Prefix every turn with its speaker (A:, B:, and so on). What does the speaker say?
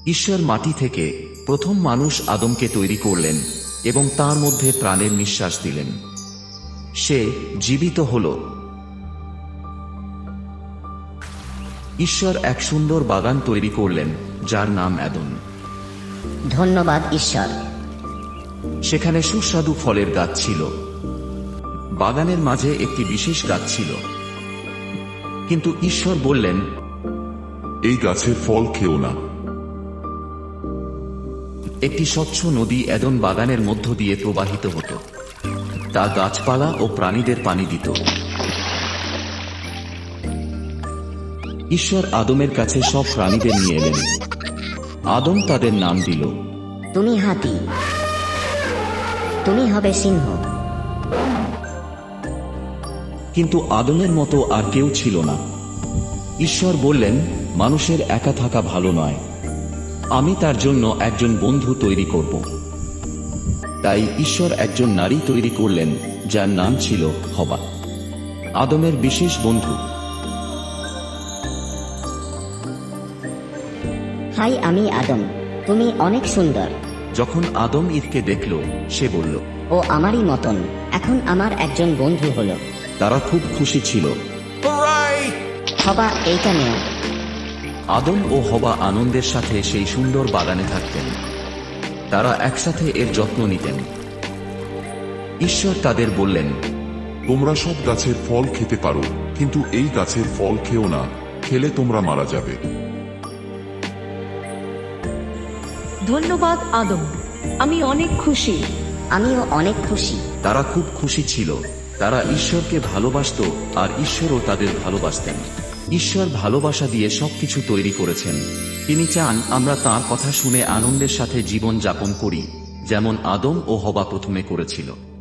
A: ঈশ্বর মাটি থেকে প্রথম মানুষ আদমকে তৈরি করলেন এবং তার মধ্যে প্রাণের নিঃশ্বাস দিলেন। সে জীবিত হল। ঈশ্বর এক সুন্দর বাগান তৈরি করলেন যার নাম এদন।
B: ধন্যবাদ ঈশ্বর।
A: সেখানে সুস্বাদু ফলের গাছ ছিল। বাগানের মাঝে একটি বিশেষ গাছ ছিল। কিন্তু ঈশ্বর বললেন,
C: এই গাছের ফল খেও না।
A: একটি স্বচ্ছ নদী এদন বাগানের মধ্য দিয়ে প্রবাহিত হতো। তা গাছপালা ও প্রাণীদের পানি দিত। ঈশ্বর আদমের কাছে সব প্রাণীদের নিয়ে এলেন। আদম তাদের নাম দিল।
B: তুমি হাতি, তুমি হবে সিংহ।
A: কিন্তু আদমের মতো আর কেউ ছিল না। ঈশ্বর বললেন, মানুষের একা থাকা ভালো নয়, আমি তার জন্য একজন বন্ধু তৈরি করব। তাই ঈশ্বর একজন নারী তৈরি করলেন যার নাম ছিল হবা, আদমের বিশেষ বন্ধু।
B: হাই, আমি আদম, তুমি অনেক সুন্দর।
A: যখন আদম ঈদকে দেখল, সে বলল,
B: ও আমারই মতন, এখন আমার একজন বন্ধু হলো।
A: তারা খুব খুশি ছিল।
B: হবা, এইটা নেও।
A: আদম ও হবা আনন্দের সাথে সেই সুন্দর বাগানে থাকতেন। তারা একসাথে এর যত্ন নিতেন। ঈশ্বর তাদের বললেন,
C: তোমরা সব গাছের ফল খেতে পারো, কিন্তু এই গাছের ফল খেও না, খেলে তোমরা মারা যাবে।
D: ধন্যবাদ আদম, আমি অনেক খুশি।
B: আমিও অনেক খুশি।
A: তারা খুব খুশি ছিল। তারা ঈশ্বরকে ভালোবাসত আর ঈশ্বরও তাদের ভালোবাসতেন। ঈশ্বর ভালোবাসা দিয়ে সবকিছু তৈরি করেছেন। তিনি চান আমরা তাঁর কথা শুনে আনন্দের সাথে জীবন যাপন করি, যেমন আদম ও হবা প্রথমে করেছিল।